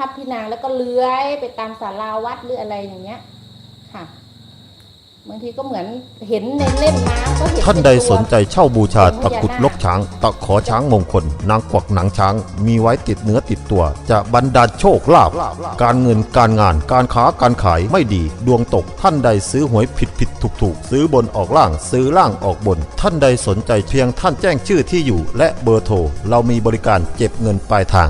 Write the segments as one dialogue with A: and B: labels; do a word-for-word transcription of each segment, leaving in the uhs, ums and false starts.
A: ทับพี่นางแล้วก็เลื้อยไปตามศาลาวัดหรืออะไรอย่างเงี้ยค่ะบางทีก็เหมือนเห็นในเล่มน้ำก็เห็น
B: ท่านใดสนใจเช่าบูชาตะกรุดลกช้างตะขอช้างมงคลนางกวักหนังช้างมีไว้ติดเนื้อติดตัวจะบรรดาลโชคลาภการเงินการงานการค้าการขายไม่ดีดวงตกท่านใดซื้อหวยผิดผิดถูกถูกซื้อบนออกล่างซื้อล่างออกบนท่านใดสนใจเพียงท่านแจ้งชื่อที่อยู่และเบอร์โทรเรามีบริการเก็บเงินปลายทาง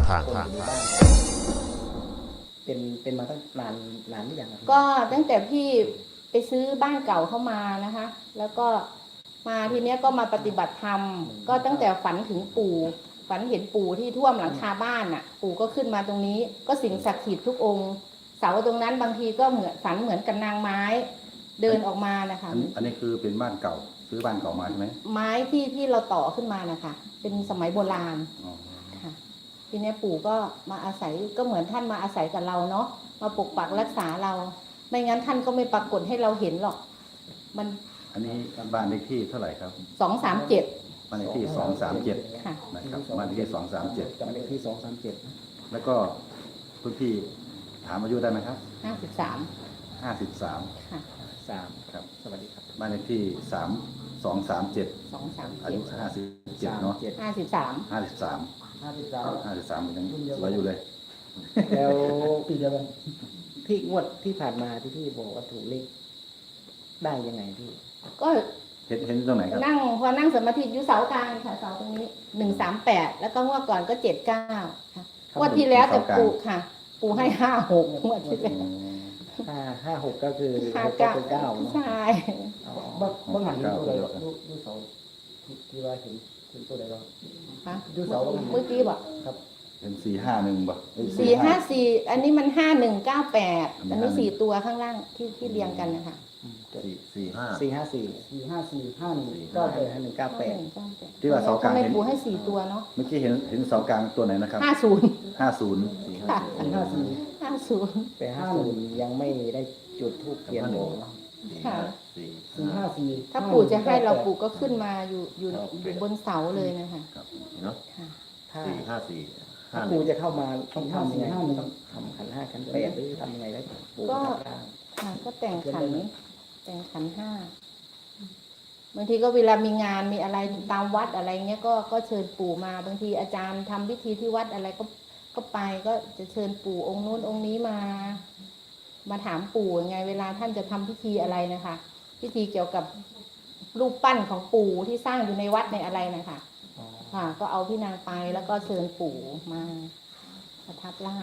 C: เป็นเป็นมาตั้งนานนานหรือยังครับ
A: ก็ตั้งแต่พี่ไปซื้อบ้านเก่าเข้ามานะคะ แล้วก็มาทีเนี้ยก็มาปฏิบัติธรรมก็ตั้งแต่ฝันถึงปู่ฝันเห็นปู่ที่ท่วมหลังคาบ้านอ่ะ ปู่ก็ขึ้นมาตรงนี้ก็สิ่งศักดิ์สิทธิ์ทุกองค์เสาตรงนั้นบางทีก็เหมือนฝันเหมือนกับนางไม้เดินออกมานะคะ
D: อันอันนี้คือเป็นบ้านเก่าซื้อบ้านเก่ามาใช่ไหม
A: ไม้ที่ที่เราต่อขึ้นมานะคะเป็นสมัยโบราณ
D: อ๋อ
A: ค่ะทีนี้ปู่ก็มาอาศัยก็เหมือนท่านมาอาศัยกับเราเนาะมาปกปักรักษาเราไม่งั้นท่านก็ไม่ปรากฏให้เราเห็นหรอกมัน
D: อันนี้บ้านเลขที่เท่าไหร่ครับ
A: สองสามเจ็ด
D: บ้านเลขที่สองสามเจ็ด
A: ค่ะ
D: นะครับบ้านเลขที่สองสามเจ็ด
C: จำเลขที่สองสามเจ็ด
D: แล้วก็คุณพี่ถามอายุได้ไหมครับ
A: ห้าสิบสาม
D: ห้าสิบสาม
A: ค่ะ
C: สาม
D: ครับ
C: สวัสดีครับ
D: บ้านเลขที่สามสองสามเจ็ด
A: สองสาม
D: อา
A: เจ็
D: ยุ
A: ด
D: ห้าสิบเจ็ดเนาะ
C: เจ็ด
A: ห้าสิบสาม
D: ห้าสิบสาม
C: ห้าสิบสาม
D: ห้าสิบสามยังสวยอยู่เลย
C: แล้วปีเดียวกันที่งวดที่ผ่านมาที่พี่บอกว่าถูกเลขได้ยังไงพี่
A: ก็
D: เห็นเห็นตรงไหนครับ
A: นั่งพอนั่งสมาธิอยู่เสากลางค่ะเสาตรงนี้หนึ่งสามแปดแล้วก็งวดก่อนก็เจ็ดเก้าค่ะงวดที่แล้วแต่ปู่ค่ะ ปู่ให้ห้าหกงวดที่แล้ว
D: อืม
C: ห้าห้าหกก็คือ
A: ห้า
C: หกก็
A: เก้า
C: เป็นเก้าเนาะ
A: ใช่
C: อ๋อ
E: บ้างบ้างหัน
D: เก้า
E: ตัวใด
D: เก้า
E: ดูดูเสาที่ที่ว่าเห็นเห็นตัวใดบ้าง
A: ค่ะ
E: ดูเสา
A: เมื่อกี้บอก
E: ครับ
D: เห็นสี่ห้าหนึ่งป่ะเอ้ย
A: สี่ห้าสี่อันนี้มันห้าหนึ่งเก้าแปด
D: อันนี้
A: อันนี้
D: ห้าหนึ่ง
A: สี่ตัวข้างล่างที่ที่เรียงกันนะคะ
D: สี่สี่ห้า
C: สี่ห้าสี่
E: สี่ห้าสี่ห้าหนึ่ง
C: เก้า
E: เก้า
C: แป
E: แป
C: ด
E: ด
C: ห้าหนึ่งเก้าแปด
D: ที่ว่าเสากลาง
A: ทำไม
D: เห็น
A: ปู่ให้สี่ตัวเนาะ
D: เมื่อกี้เห็นเห็นเสากลางตัวไหนนะครับ
A: ห้าศูนย์
D: ห้าศูนย์
A: ค่ะ
E: สี่ห้าสี่
A: ห้าศูนย์
C: แต่ห้าศูนย์ยังไม่ได้จุดทูปเทียนบอกเนาะ
A: ค่ะ
D: สี่
E: สี่ห้าสี่
A: ถ้าปู่จะให้เราปู่ก็ขึ้นมาอยู่อยู่อยู่บนเสาเลยนะคะ
D: ครับเนาะ
A: ค่ะ
C: ถ้า
D: สี่ห้าสี่
C: ถ้า
D: ห้าห
C: ปู
D: นึ่ง
C: จะเข้ามาต้องทำยังไงต้องทำขันห้าขันแปดหรือทำยังไงได้ปู
A: ก็
C: ทำได้
A: ค่ะก็แต่งขันแต่งขันห้าบางทีก็เวลามีงานมีอะไรตามวัดอะไรเงี้ยก็ก็เชิญปู่มาบางทีอาจารย์ทำพิธีที่วัดอะไรก็ก็ไปก็จะเชิญปู่องค์นู้นองค์นี้มา มาถามปู่ยังไง เวลาท่านจะทำพิธีอะไรนะคะ พิธีเกี่ยวกับรูปปั้นของปู่ที่สร้างอยู่ในวัดในอะไรนะคะ
C: อ๋อ
A: ค่ะ ก็เอาพี่นางไปแล้วก็เชิญปู่มาประทับร่าง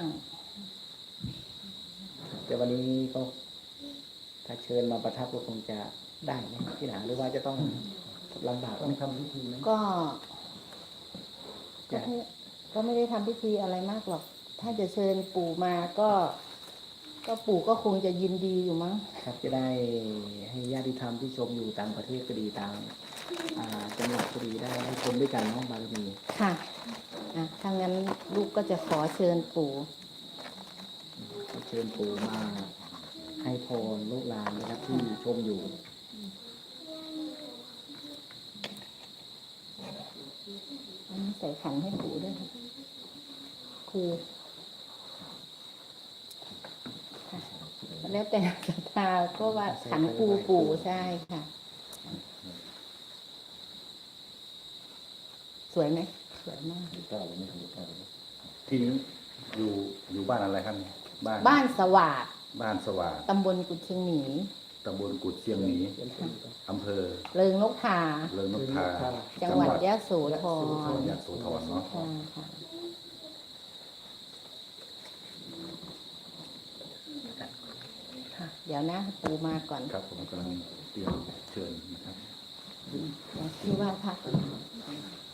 C: แต่วันนี้ก็ถ้าเชิญมาประทับก็คงจะได้ไหมพี่หนาหรือว่าจะต้องลำบาก
E: ต้องทำพิธีไหม
A: ก็ก็ไม่ก็ไม่ได้ทำพิธีอะไรมากหรอก ถ้าจะเชิญปู่มาก็ ก็ปู่ก็คงจะยินดีอยู่มั้ง
C: ครับจะได้ให้ญาติธรรมที่ชมอยู่ต่างประเทศก็ดีต่างอ่าจังหวัดก็ดีได้ให้ชมด้วยกันเน้องบารมี
A: ค่ะอ่ะถ้างั้นลูกก็จะขอเชิญปู่
C: เชิญปู่มาให้พรลูกหลานนะครับที่ชมอยู่
A: อันนี้ใส่ขันให้ปู่ด้วยค่ะครูค่ะแล้วแต่ศรัทธาก็ว่าขันครูปู่ใช่ค่ะ สวยไหมสวยมาก
D: เก้าเลยไม่ถูกเก้าเลยที่นี้อยู่อยู่บ้านอะไรครับเนี่ยบ้าน
A: บ้านสวัสด
D: บ้านสว่าง
A: ตำบลกุดเชียงหมี
D: ตำบลกุดเชียงหมีอำเภอ
A: เริงนกทา
D: เริงนกทา
A: จังหวัดยะโสธร
D: ยะโสธรเนาะ
A: ค่ะค่ะค่ะ เดี๋ยวนะปูมาก่อน
D: ครับผมกำลังเตรียมเชิญนะครับ
A: เดี๋ยวที่ว่าพัก